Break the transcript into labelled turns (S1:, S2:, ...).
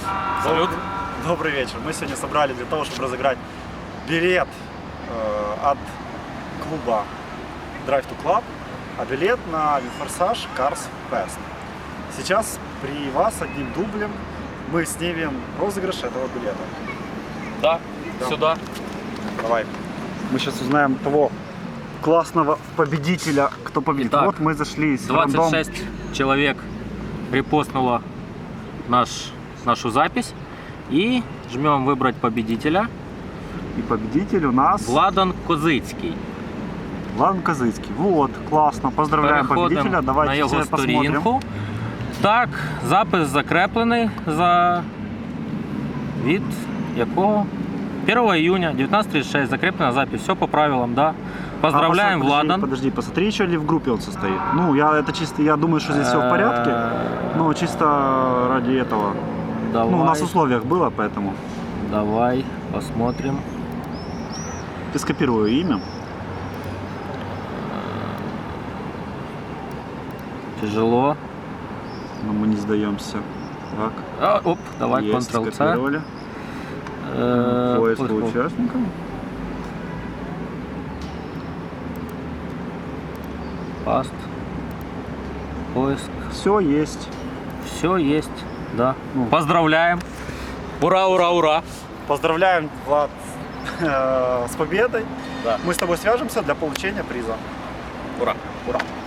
S1: Салют.
S2: Добрый вечер. Мы сегодня собрали для того, чтобы разыграть билет от клуба Drive to Club, а билет на Винфорсаж Cars Fest. Сейчас при вас одним дублем мы снимем розыгрыш этого билета.
S1: Да,
S2: Да.
S1: сюда.
S2: Давай. Мы сейчас узнаем того классного победителя, кто победит.
S1: Итак,
S2: вот мы зашли с
S1: 26 человек репостнуло нашу запись. И жмем выбрать победителя.
S2: И победитель у нас
S1: Владан Козицький.
S2: Владан Козицький. Вот, классно. Поздравляем победителя.
S1: на
S2: Давайте
S1: його
S2: все посмотрим.
S1: сторінку. Так, запис закреплений від якого? 1 июня 19:36. Закреплена запись. Все по правилам, да. Поздравляем, Владан.
S2: Подожди, посмотри, еще ли в группе он состоит. Ну, я думаю, что здесь все в порядке. Но чисто ради этого.
S1: Давай.
S2: Ну, у нас в условиях было, поэтому.
S1: Давай посмотрим.
S2: Ты скопирую имя.
S1: Тяжело.
S2: Но мы не сдаемся. Так.
S1: Оп, давай,
S2: Есть,
S1: Ctrl-C.
S2: скопировали. Поиск по участникам.
S1: Паст. Поиск.
S2: Все есть.
S1: Все есть, да.
S2: Ну.
S1: Поздравляем. Ура, ура, ура.
S2: Поздравляем, Влад, с победой.
S1: Да.
S2: Мы с тобой свяжемся для получения приза.
S1: Ура.
S2: Ура.